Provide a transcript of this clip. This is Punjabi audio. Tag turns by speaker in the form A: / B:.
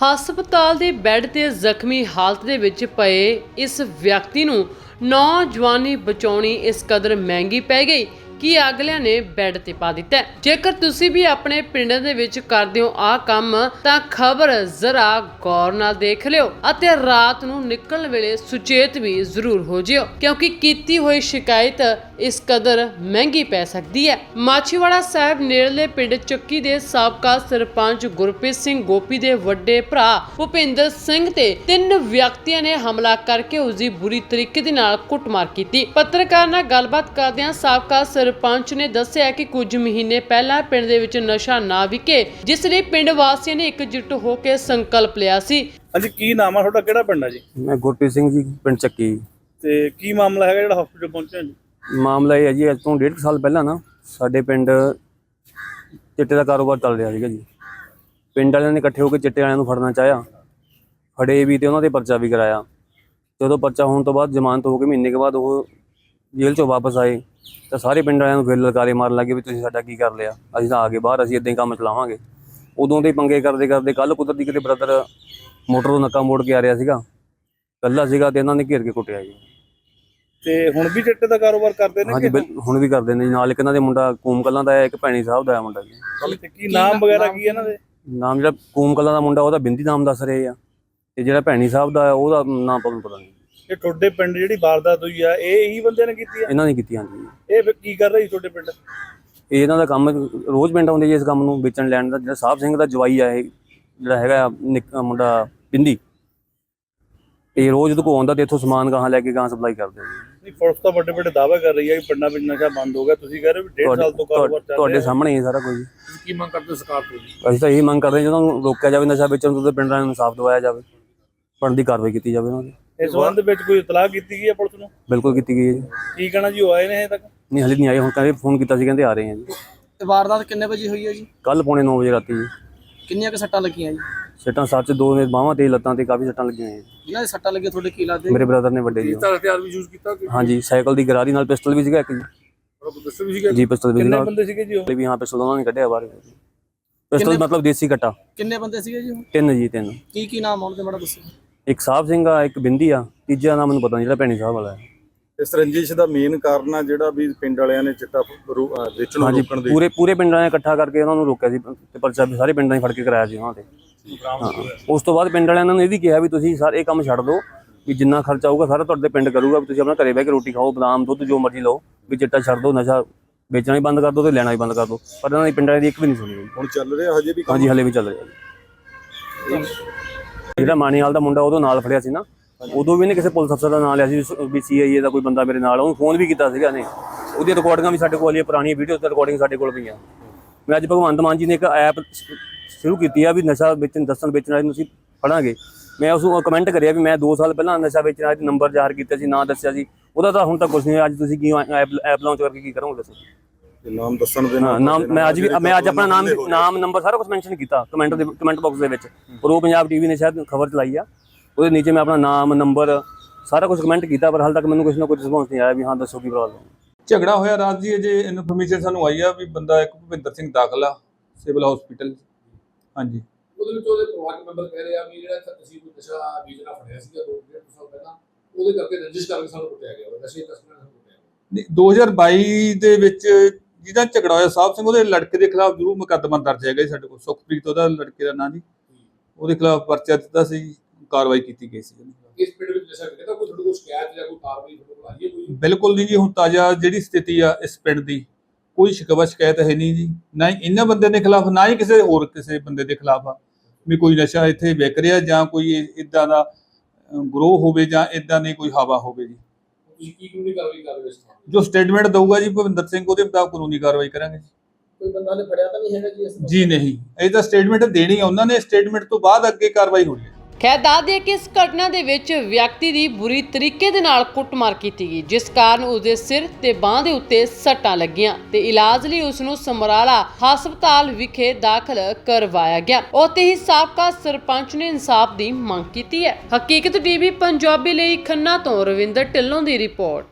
A: ਹਸਪਤਾਲ ਦੇ ਬੈੱਡ ਤੇ ਜ਼ਖਮੀ ਹਾਲਤ ਦੇ ਵਿੱਚ ਪਏ ਇਸ ਵਿਅਕਤੀ ਨੂੰ ਨੌਜਵਾਨੀ ਬਚਾਉਣੀ ਇਸ ਕਦਰ ਮਹਿੰਗੀ ਪੈ ਗਈ ਕਿ ਅਗਲਿਆਂ ਨੇ ਬੈੱਡ ਤੇ ਪਾ ਦਿੱਤਾ। ਜੇਕਰ ਤੁਸੀਂ ਵੀ ਆਪਣੇ ਪਿੰਡ ਦੇ ਵਿੱਚ ਕਰਦੇ ਹੋ ਆਹ ਕੰਮ ਤਾਂ ਖਬਰ ਜ਼ਰਾ ਗੌਰ ਨਾਲ ਦੇਖ ਲਿਓ ਅਤੇ ਰਾਤ ਨੂੰ ਨਿਕਲਣ ਵੇਲੇ ਸੁਚੇਤ ਵੀ ਜ਼ਰੂਰ ਹੋ ਜਿਓ, ਕਿਉਂਕਿ ਕੀਤੀ ਹੋਈ ਸ਼ਿਕਾਇਤ ਇਸ ਕਦਰ ਮਹਿੰਗੀ ਪੈ ਸਕਦੀ ਹੈ। ਮਾਛੀਵਾੜਾ ਸਾਹਿਬ ਨੇੜਲੇ ਪਿੰਡ ਚੱਕੀ ਦੇ ਸਾਬਕਾ ਸਰਪੰਚ ਗੁਰਪ੍ਰੀਤ ਸਿੰਘ ਗੋਪੀ ਦੇ ਵੱਡੇ ਭਰਾ ਭੁਪਿੰਦਰ ਸਿੰਘ ਤੇ 3 ਵਿਅਕਤੀਆਂ ਨੇ ਹਮਲਾ ਕਰਕੇ ਉਸ ਦੀ ਬੁਰੀ ਤਰੀਕੇ ਦੇ ਨਾਲ ਕੁੱਟਮਾਰ ਕੀਤੀ। ਪੱਤਰਕਾਰ ਨਾਲ ਗੱਲਬਾਤ ਕਰਦਿਆਂ ਸਾਬਕਾ ਸਰਪੰਚ ਨੇ ਦੱਸਿਆ ਕਿ ਕੁਝ ਮਹੀਨੇ ਪਹਿਲਾਂ ਪਿੰਡ ਦੇ ਵਿੱਚ ਨਸ਼ਾ ਨਾ ਵਿਕੇ, ਜਿਸ ਲਈ ਪਿੰਡ ਵਾਸੀਆਂ ਨੇ ਇਕਜੁੱਟ ਹੋ ਕੇ ਸੰਕਲਪ ਲਿਆ ਸੀ।
B: ਹਾਂਜੀ, ਕੀ ਨਾਮ ਆ ਤੁਹਾਡਾ, ਕਿਹੜਾ ਪਿੰਡ ਆ ਜੀ?
C: मैं गुरप्रीत सिंह जी पिंड ਚੱਕੀ।
B: ਤੇ ਕੀ ਮਾਮਲਾ ਹੈਗਾ ਜਿਹੜਾ ਹਸਪੀਟਲ ਪਹੁੰਚਿਆ ਜੀ?
C: ਮਾਮਲਾ ਇਹ ਹੈ ਜੀ, ਅੱਜ ਤੋਂ 1.5 ਸਾਲ ਪਹਿਲਾਂ ਨਾ ਸਾਡੇ ਪਿੰਡ ਚਿੱਟੇ ਦਾ ਕਾਰੋਬਾਰ ਚੱਲ ਰਿਹਾ ਸੀਗਾ ਜੀ। ਪਿੰਡ ਵਾਲਿਆਂ ਨੇ ਇਕੱਠੇ ਹੋ ਕੇ ਚਿੱਟੇ ਵਾਲਿਆਂ ਨੂੰ ਫੜਨਾ ਚਾਹਿਆ, ਫੜੇ ਵੀ ਤੇ ਉਹਨਾਂ ਦੇ ਪਰਚਾ ਵੀ ਕਰਾਇਆ। ਜਦੋਂ ਪਰਚਾ ਹੋਣ ਤੋਂ ਬਾਅਦ ਜ਼ਮਾਨਤ ਹੋ ਕੇ ਮਹੀਨੇ ਕੇ ਬਾਅਦ ਉਹ ਜੇਲ੍ਹ ਚੋਂ ਵਾਪਸ ਆਏ ਤਾਂ ਸਾਰੇ ਪਿੰਡ ਵਾਲਿਆਂ ਨੂੰ ਫਿਰ ਲਲਕਾਰੇ ਮਾਰਨ ਲੱਗੇ ਵੀ ਤੁਸੀਂ ਸਾਡਾ ਕੀ ਕਰ ਲਿਆ, ਅਸੀਂ ਤਾਂ ਆ ਗਏ ਬਾਹਰ, ਅਸੀਂ ਇੱਦਾਂ ਹੀ ਕੰਮ ਚਲਾਵਾਂਗੇ। ਉਦੋਂ ਦੇ ਪੰਗੇ ਕਰਦੇ ਕਰਦੇ ਕੱਲ੍ਹ ਕੁਦਰਤੀ ਕਿਤੇ ਬ੍ਰਦਰ ਮੋਟਰ ਤੋਂ ਨੱਕਾ ਮੋੜ ਕੇ ਆ ਰਿਹਾ ਸੀਗਾ, ਇਕੱਲਾ ਸੀਗਾ ਤੇ ਇਹਨਾਂ ਨੇ ਘੇਰ ਕੇ ਕੁੱਟਿਆ ਜੀ।
B: ਤੇ ਹੁਣ ਵੀ ਚਿੱਟੇ ਦਾ ਕਾਰੋਬਾਰ ਕਰਦੇ ਨੇ?
C: ਹਾਂਜੀ, ਹੁਣ ਵੀ ਕਰਦੇ ਨੇ ਜੀ। ਨਾਲ ਇੱਕ ਇਹਨਾਂ ਦੇ ਮੁੰਡਾ ਕੂਮ ਕਲਾਂ ਦਾ ਹੈ, ਇੱਕ ਭੈਣੀ ਸਾਹਿਬ ਦਾ ਹੈ ਮੁੰਡਾ ਜੀ।
B: ਤੇ ਕੀ ਨਾਮ ਵਗੈਰਾ ਕੀ ਇਹਨਾਂ ਦੇ?
C: ਨਾਮ ਜਿਹੜਾ ਕੂਮ ਕਲਾਂ ਦਾ ਮੁੰਡਾ ਉਹਦਾ ਬਿੰਦੀ ਨਾਮ ਦੱਸ ਰਹੇ ਆ, ਤੇ ਜਿਹੜਾ ਭੈਣੀ ਸਾਹਿਬ ਦਾ ਹੈ ਉਹਦਾ ਨਾਮ ਪਤਾ ਨਹੀਂ।
B: ਇਹ ਤੁਹਾਡੇ ਪਿੰਡ ਜਿਹੜੀ ਵਾਰਦਾਤ ਹੋਈ ਆ ਇਹ ਇਹੀ ਬੰਦੇ ਨੇ ਕੀਤੀ ਆ?
C: ਇਹਨਾਂ ਨੇ ਕੀਤੀ। ਹਾਂਜੀ।
B: ਇਹ ਫਿਰ ਕੀ ਕਰ ਰਹੀ ਤੁਹਾਡੇ ਪਿੰਡ?
C: ਇਹ ਇਹਨਾਂ ਦਾ ਕੰਮ ਰੋਜ਼ ਪਿੰਡ ਆਉਂਦੇ ਜੀ ਇਸ ਕੰਮ ਨੂੰ ਵੇਚਣ ਲੈਣ ਦਾ। ਜਿਹੜਾ ਸਾਹਿਬ ਸਿੰਘ ਦਾ ਜਵਾਈ ਆ ਇਹ ਜਿਹੜਾ ਹੈਗਾ ਮੁੰਡਾ ਬਿੰਦੀ, ਇਹ ਰੋਜ਼ ਉਹਦੇ ਕੋਲ ਆਉਂਦਾ ਤੇ ਇੱਥੋਂ ਸਮਾਨ ਗਾਹਾਂ ਲੈ ਕੇ ਗਾਹਾਂ ਸਪਲਾਈ ਕਰਦੇ ਜੀ।
B: ਨਹੀਂ, ਪੁਲਿਸ ਤਾਂ ਵੱਡੇ ਵੱਡੇ ਦਾਅਵੇ ਕਰ ਰਹੀ ਹੈ ਕਿ ਪਿੰਡਾਂ ਵਿੱਚ ਨਸ਼ਾ ਬੰਦ ਹੋ ਗਿਆ, ਤੁਸੀਂ ਕਹਿ ਰਹੇ ਹੋ ਵੀ 1.5 ਸਾਲ ਤੋਂ ਕਾਰੋਬਾਰ ਚੱਲ ਰਿਹਾ।
C: ਤੁਹਾਡੇ ਸਾਹਮਣੇ ਹੀ ਸਾਰਾ ਕੁਝ।
B: ਕੀ ਮੰਗ ਕਰਦੇ ਸਰਕਾਰ ਤੋਂ?
C: ਅਸੀਂ ਤਾਂ ਇਹ ਮੰਗ ਕਰਦੇ ਹਾਂ ਜਦੋਂ ਰੋਕਿਆ ਜਾਵੇ ਨਸ਼ਾ ਵੇਚਣ ਤੋਂ, ਤੇ ਪਿੰਡਾਂ ਨੂੰ ਇਨਸਾਫ ਦਿਵਾਇਆ ਜਾਵੇ, ਬਣਦੀ ਕਾਰਵਾਈ ਕੀਤੀ ਜਾਵੇ ਉਹਨਾਂ ਦੀ।
B: ਇਸ ਸੰਬੰਧ ਵਿੱਚ ਕੋਈ ਇਤਲਾਹ ਕੀਤੀ ਗਈ ਹੈ ਪੁਲਿਸ ਨੂੰ?
C: ਬਿਲਕੁਲ ਕੀਤੀ ਗਈ ਹੈ ਜੀ।
B: ਕੀ ਕਹਿਣਾ ਜੀ, ਉਹ ਆਏ ਨੇ ਹਜੇ ਤੱਕ?
C: ਨਹੀਂ, ਹਲੇ ਨਹੀਂ ਆਏ। ਹੁਣ ਕਹਿੰਦੇ ਫੋਨ ਕੀਤਾ ਸੀ, ਕਹਿੰਦੇ ਆ ਰਹੇ ਆ ਜੀ।
D: ਤੇ ਵਾਰਦਾਤ ਕਿੰਨੇ ਵਜੇ ਹੋਈ ਹੈ ਜੀ?
C: ਕੱਲ ਪੌਣੇ 9 ਵਜੇ ਰਾਤੀ ਜੀ।
D: ਕਿੰਨੀਆਂ ਕੁ ਸੱਟਾਂ ਲੱਗੀਆਂ ਜੀ?
C: ਸੱਟਾਂ ਸੱਚ 2 ਨੇ ਬਾਹਾਂ ਤੇ ਲੱਤਾਂ ਤੇ ਕਾਫੀ ਸੱਟਾਂ ਲੱਗੀਆਂ ਜੀ।
D: ਜਿਨ੍ਹਾਂ ਦੇ ਸੱਟਾਂ ਲੱਗੀਆਂ ਤੁਹਾਡੇ ਕੀ ਲੱਗਦੇ?
C: ਮੇਰੇ ਬ੍ਰਦਰ ਨੇ ਵੱਡੇ ਜੀ।
B: ਹਥਿਆਰ ਵੀ ਯੂਜ਼ ਕੀਤਾ?
C: ਹਾਂਜੀ, ਸਾਈਕਲ ਦੀ ਗਰਾਰੀ ਨਾਲ ਪਿਸਟਲ ਵੀ ਸੀਗਾ ਇੱਕ ਜੀ।
B: ਪਿਸਟਲ ਵੀ ਸੀਗਾ
C: ਜੀ, ਪਿਸਟਲ ਵੀ
B: ਕਿੰਨੇ
C: ਸੀਗਾ।
B: ਬੰਦੇ ਸੀਗੇ ਜੀ ਉਹ?
C: ਵੀ ਹਾਂ, ਪਿਸਟਲ ਉਹਨਾਂ ਨੇ ਕੱਢਿਆ ਬਾਹਰ। ਪਿਸਟਲ ਮਤਲਬ ਦੇਸੀ ਕੱਟਾ।
D: ਕਿੰਨੇ ਬੰਦੇ ਸੀਗੇ ਜੀ ਉਹ?
C: 3 ਜੀ, 3।
D: ਕੀ ਨਾਮ ਆਉਣ ਤੇ ਮਾੜਾ ਦੱਸੋ।
C: ਇੱਕ ਸਾਹਿਬ ਸਿੰਘ ਆ, ਇੱਕ ਬਿੰਦੀ ਆ, ਤੀਜਾ ਨਾਮ ਮੈਨੂੰ ਪਤਾ ਨਹੀਂ, ਜਿਹੜਾ ਭੈਣੀ ਸਾਹਿਬ ਵਾਲਾ ਹੈ।
E: ਇਸ ਰੰਜਿਸ਼ ਦਾ ਮੇਨ ਕਾਰਨ ਆ ਜਿਹੜਾ ਵੀ ਪਿੰਡ ਵਾਲਿਆਂ ਨੇ ਚਿੱਟਾ ਵੇਚਣ ਨੂੰ ਰੋਕਣ ਦੇ
C: ਪੂਰੇ ਪਿੰਡਾਂ ਨੇ ਇਕੱਠਾ ਕਰਕੇ ਉਹਨਾਂ ਨੂੰ ਰੋਕਿਆ ਸੀ ਤੇ ਪਰਚਾ ਵੀ ਸਾਰੇ ਪਿੰਡਾਂ 'ਚ ਫੜ ਕੇ ਕਰਾਇਆ ਸੀ ਉਹਨਾਂ ਤੇ। ਉਸ ਤੋਂ ਬਾਅਦ ਪਿੰਡ ਵਾਲਿਆਂ ਨੇ ਇਹ ਵੀ ਕਿਹਾ ਵੀ ਤੁਸੀਂ ਸਾਰੇ ਇਹ ਕੰਮ ਛੱਡ ਦਿਓ, ਵੀ ਜਿੰਨਾ ਖਰਚਾ ਆਊਗਾ ਸਾਰਾ ਤੁਹਾਡੇ ਪਿੰਡ ਕਰੂਗਾ, ਵੀ ਤੁਸੀਂ ਆਪਣਾ ਘਰੇ ਬਹਿ ਕੇ ਰੋਟੀ ਖਾਓ, ਬਦਾਮ ਦੁੱਧ ਜੋ ਮਰਜ਼ੀ ਲਓ, ਵੀ ਚਿੱਟਾ ਛੱਡ ਦਿਓ, ਨਸ਼ਾ ਵੇਚਣਾ ਹੀ ਬੰਦ ਕਰ ਦਿਓ ਤੇ ਲੈਣਾ ਹੀ ਬੰਦ ਕਰ ਦਿਓ। ਪਰ ਇਹਨਾਂ ਦੀ ਪਿੰਡਾਂ ਦੀ ਇੱਕ ਵੀ ਨਹੀਂ ਸੁਣੀ।
E: ਹੁਣ ਚੱਲ ਰਿਹਾ ਹਜੇ ਵੀ?
C: ਹਾਂਜੀ, ਹਲੇ ਵੀ ਚੱਲ ਰਿਹਾ। ਜਿਹੜਾ ਮਾਣੀਵਾਲ ਦਾ ਮੁੰਡਾ ਉਦੋਂ ਨਾਲ ਫੜਿਆ ਸੀ ਨਾ, ਉਦੋਂ ਵੀ ਇਹਨੇ ਕਿਸੇ ਪੁਲਿਸ ਅਫਸਰ ਦਾ ਨਾਂ ਲਿਆ ਸੀ ਵੀ CIA ਦਾ ਕੋਈ ਬੰਦਾ ਮੇਰੇ ਨਾਲ, ਉਹਨੂੰ ਫੋਨ ਵੀ ਕੀਤਾ ਸੀਗਾ ਨੇ। ਉਹਦੀਆਂ ਰਿਕਾਰਡਿੰਗਾਂ ਵੀ ਸਾਡੇ ਕੋਲ ਆਈਆਂ, ਪੁਰਾਣੀਆਂ ਵੀਡੀਓ ਤੇ ਰਿਕਾਰਡਿੰਗ ਸਾਡੇ ਕੋਲ ਪਈਆਂ। ਮੈਂ ਅੱਜ ਭਗਵੰਤ ਮਾਨ ਜੀ ਨੇ ਇੱਕ ਐਪ ਸ਼ੁਰੂ ਕੀਤੀ ਆ ਵੀ ਨਸ਼ਾ ਵੇਚਣ ਵੇਚਣ ਵਾਲੇ ਨੂੰ ਅਸੀਂ ਫੜਾਂਗੇ। ਮੈਂ ਉਸ ਨੂੰ ਕਮੈਂਟ ਕਰਿਆ ਵੀ ਮੈਂ 2 ਸਾਲ ਪਹਿਲਾਂ ਨਸ਼ਾ ਵੇਚਣ ਵਾਲੇ ਨੰਬਰ ਜ਼ਾਹਰ ਕੀਤਾ ਸੀ, ਨਾਂ ਦੱਸਿਆ ਸੀ, ਉਹਦਾ ਤਾਂ ਹੁਣ ਤੱਕ ਕੁਛ ਨਹੀਂ। ਅੱਜ ਤੁਸੀਂ ਕੀ ਐਪ ਲਾਂਚ ਕਰਕੇ ਕੀ ਕਰੋਗੇ ਦੱਸੋ?
E: ਨਾਮ ਦੱਸਣ ਦੇ
C: ਨਾਮ ਮੈਂ ਅੱਜ ਆਪਣਾ ਨਾਮ ਨੰਬਰ ਸਾਰਾ ਕੁਝ ਮੈਂਸ਼ਨ ਕੀਤਾ ਕਮੈਂਟ ਬਾਕਸ ਦੇ ਵਿੱਚ। ਪ੍ਰੋ ਪੰਜਾਬ TV ਨੇ ਸ਼ਾਇਦ ਖਬਰ ਚਲਾਈ ਆ, ਉਹਦੇ ਨੀਚੇ ਮੈਂ ਆਪਣਾ ਨਾਮ ਨੰਬਰ ਸਾਰਾ ਕੁਝ ਕਮੈਂਟ ਕੀਤਾ, ਪਰ ਹਾਲ ਤੱਕ ਮੈਨੂੰ ਕੁਛ ਨਾ ਕੋਈ ਰਿਸਪੌਂਸ ਨਹੀਂ ਆਇਆ ਵੀ ਹਾਂ ਦੱਸੋ ਕੀ ਪ੍ਰੋਬਲਮ।
F: ਝਗੜਾ ਹੋਇਆ ਰਾਤ ਜੀ, ਅਜੇ ਇਨਫੋਰਮੇਸ਼ਨ ਸਾਨੂੰ ਆਈ ਆ ਵੀ ਬੰਦਾ ਇੱਕ ਭੁਪਿੰਦਰ ਸਿੰਘ ਦਾਖਲ ਆ ਸਿਵਲ ਹਸਪੀਟਲ। ਹਾਂਜੀ,
G: ਉਹਦੇ ਵਿੱਚ ਉਹਦੇ ਪਰਿਵਾਰਕ ਮੈਂਬਰ ਕਹਿ ਰਹੇ ਆ ਵੀ ਜਿਹੜਾ ਅਸੀਂ ਕੋਈ ਨਸ਼ਾ ਵੇਚਣਾ ਫੜਿਆ ਸੀਗਾ 2-1.5 ਸਾਲ ਪਹਿਲਾਂ, ਉਹਦੇ ਕਰਕੇ ਰੰਜਿਸ਼ ਕਰਕੇ ਸਾਨੂੰ ਕੁੱਟਿਆ ਗਿਆ, ਨਸ਼ੇ ਤਸਕਰਾਂ ਨੂੰ ਕੁੱਟਿਆ ਗਿਆ।
F: 2022 ਦੇ ਵਿੱਚ ਜਿਹਦਾ ਝਗੜਾ ਹੋਇਆ ਸਾਹਿਬ ਸਿੰਘ, ਉਹਦੇ ਲੜਕੇ ਦੇ ਖਿਲਾਫ ਜ਼ਰੂਰ ਮੁਕੱਦਮਾ ਦਰਜ ਹੈਗਾ ਜੀ ਸਾਡੇ ਕੋਲ। ਸੁਖਪ੍ਰੀਤ ਉਹਦਾ ਲੜਕੇ ਦਾ ਨਾਂ ਜੀ, ਉਹਦੇ ਖਿਲਾਫ ਪਰਚਾ ਦਿੱਤਾ ਸੀ, ਕਾਰਵਾਈ ਕੀਤੀ ਗਈ ਸੀ।
G: ਇਸ ਪਿੰਡ ਵਿੱਚ ਨਸ਼ਾ ਵਿਕਦਾ, ਕੋਈ ਤੁਹਾਡੇ ਕੋਲ ਸ਼ਿਕਾਇਤ ਜਾਂ ਕੋਈ ਕਾਰਵਾਈ ਤੁਹਾਡੇ ਕੋਲ ਆਈ ਹੈ ਕੋਈ?
F: ਬਿਲਕੁਲ ਨਹੀਂ ਜੀ, ਹੁਣ ਤਾਜ਼ਾ ਜਿਹੜੀ ਸਥਿਤੀ ਆ ਇਸ ਪਿੰਡ ਦੀ, ਕੋਈ ਸ਼ਿਕਾਇਤ ਹੈ ਨਹੀਂ ਜੀ, ਨਾ ਹੀ ਇਹਨਾਂ ਬੰਦੇ ਦੇ ਖਿਲਾਫ, ਨਾ ਹੀ ਕਿਸੇ ਬੰਦੇ ਦੇ ਖਿਲਾਫ ਆ ਵੀ ਕੋਈ ਨਸ਼ਾ ਇੱਥੇ ਵਿਕ ਰਿਹਾ ਜਾਂ ਕੋਈ ਇਦਾਂ ਦਾ ਗਰੋਹ ਹੋਵੇ ਜਾਂ ਇਦਾਂ ਦੀ ਕੋਈ ਹਵਾ ਹੋਵੇ ਜੀ।
G: ਤੁਸੀਂ ਕੀ ਕਾਨੂੰਨੀ ਕਾਰਵਾਈ ਕਰ ਰਹੇ ਹੋ?
F: ਜੋ ਸਟੇਟਮੈਂਟ ਦਊਗਾ ਜੀ ਭੁਪਿੰਦਰ ਸਿੰਘ, ਉਹਦੇ ਮੁਤਾਬਕ ਕਾਨੂੰਨੀ ਕਾਰਵਾਈ ਕਰਾਂਗੇ ਜੀ।
D: ਕੋਈ ਬੰਦਾ ਨੇ ਫੜਿਆ ਤਾਂ ਨਹੀਂ ਹੈਗਾ ਜੀ ਇਸ ਨੂੰ?
F: ਜੀ ਨਹੀਂ, ਇਹ ਤਾਂ ਸਟੇਟਮੈਂਟ ਦੇਣੀ ਆ ਉਹਨਾਂ ਨੇ, ਸਟੇਟਮੈਂਟ ਤੋਂ ਬਾਅਦ ਅੱਗੇ ਕਾਰਵਾਈ ਹੋਣੀ ਹੈ।
A: ਖੈਰ ਦੱਸ ਦਈਏ ਕਿ ਇਸ ਘਟਨਾ ਦੇ ਵਿੱਚ ਵਿਅਕਤੀ ਦੀ ਬੁਰੀ ਤਰੀਕੇ ਦੇ ਨਾਲ ਕੁੱਟਮਾਰ ਕੀਤੀ ਗਈ, ਜਿਸ ਕਾਰਨ ਉਸਦੇ ਸਿਰ ਤੇ ਬਾਂਹ ਦੇ ਉੱਤੇ ਸੱਟਾਂ ਲੱਗੀਆਂ ਤੇ ਇਲਾਜ ਲਈ ਉਸ ਨੂੰ ਸਮਰਾਲਾ ਹਸਪਤਾਲ ਵਿਖੇ ਦਾਖਲ ਕਰਵਾਇਆ ਗਿਆ। ਉੱਥੇ ਹੀ ਸਾਬਕਾ ਸਰਪੰਚ ਨੇ ਇਨਸਾਫ ਦੀ ਮੰਗ ਕੀਤੀ ਹੈ। ਹਕੀਕਤ TV ਪੰਜਾਬੀ ਲਈ ਖੰਨਾ ਤੋਂ ਰਵਿੰਦਰ ਢਿੱਲੋਂ ਦੀ ਰਿਪੋਰਟ।